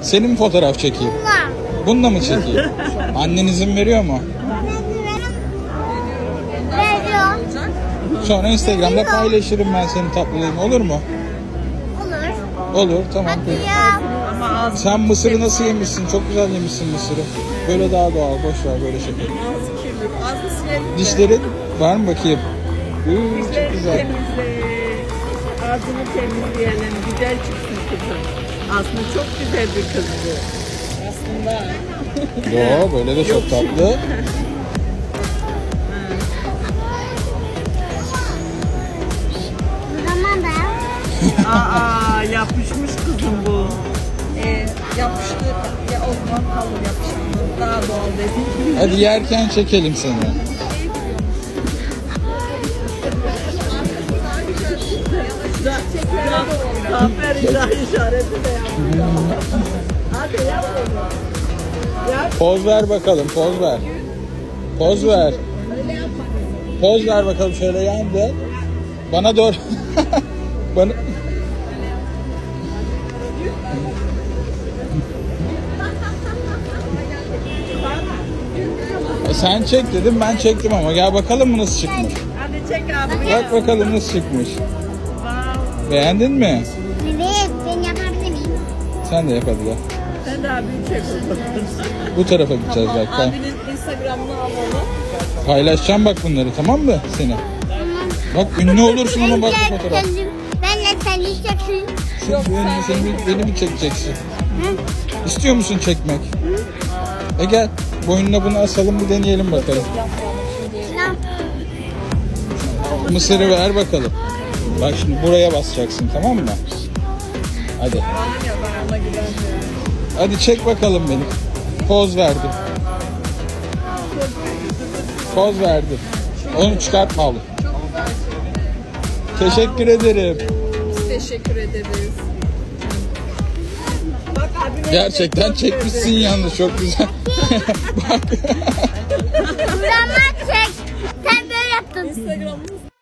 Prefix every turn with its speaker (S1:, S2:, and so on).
S1: Senin mi fotoğraf çekeyim? Bununla mı çekeyim? Annen izin veriyor mu?
S2: Veriyor.
S1: Sonra Instagram'da paylaşırım ben senin tatlılığını, olur mu?
S2: Olur.
S1: Olur, tamam.
S2: Hadi
S1: Peki.
S2: ya.
S3: Ama ağzı
S1: Sen mısırı nasıl yemişsin? Çok güzel yemişsin mısırı. Böyle daha doğal, boş ver böyle şeker.
S3: kirli. Ağzı silelim.
S1: Dişlerin var mı bakayım? Çok
S3: Dişlerini
S1: güzel.
S3: temizle. Ağzını temizleyelim. Güzel çıksın kızım. Aslında çok güzel bir kız bu. Aslında.
S1: Yo, böyle de çok tatlı.
S2: Tamam da.
S3: Aa yapışmış kızım bu. Yapıştı. Ya o zaman kalır yapıştı. Daha doğal dedim.
S1: Hadi yerken çekelim seni.
S3: Zafer işareti de yaptı. Hadi yap onu.
S1: Poz ver bakalım, poz ver. Poz ver. Poz ver bakalım, şöyle yan dön. Bana doğru. Bana... Sen çek dedim, ben çektim ama gel bakalım mı nasıl çıkmış.
S3: Hadi çek abi.
S1: Bak bakalım nasıl çıkmış.
S3: Wow.
S1: Beğendin mi?
S2: Evet, ben yapabilir miyim?
S1: Sen de yap hadi gel.
S3: Sen de abi çek o zaman.
S1: Bu tarafa gideceğiz bak. Tamam.
S3: Abinin Instagram'ını alalım.
S1: Paylaşacağım bak bunları, tamam mı seni? Bak ünlü olursun ama bak bu fotoğraf.
S2: Benle sen yiyeceksin.
S1: Beni mi çekeceksin? İstiyor musun çekmek? Gel boynuna bunu asalım, bir deneyelim bakalım. Mısırı ver bakalım. Bak şimdi buraya basacaksın, tamam mı? Hadi.
S3: Ya ben ona güvenmiyorum.
S1: Hadi çek bakalım beni. Poz verdim. Poz verdim. Onu çıkartma oğlum. Teşekkür ederim.
S3: Biz teşekkür ederiz. Bak abine
S1: Gerçekten
S3: çok
S1: çekmişsin
S3: sevdim.
S1: yalnız, çok güzel. Bak.
S2: Buradan çek. Sen böyle yaptın.
S3: Instagram'ımız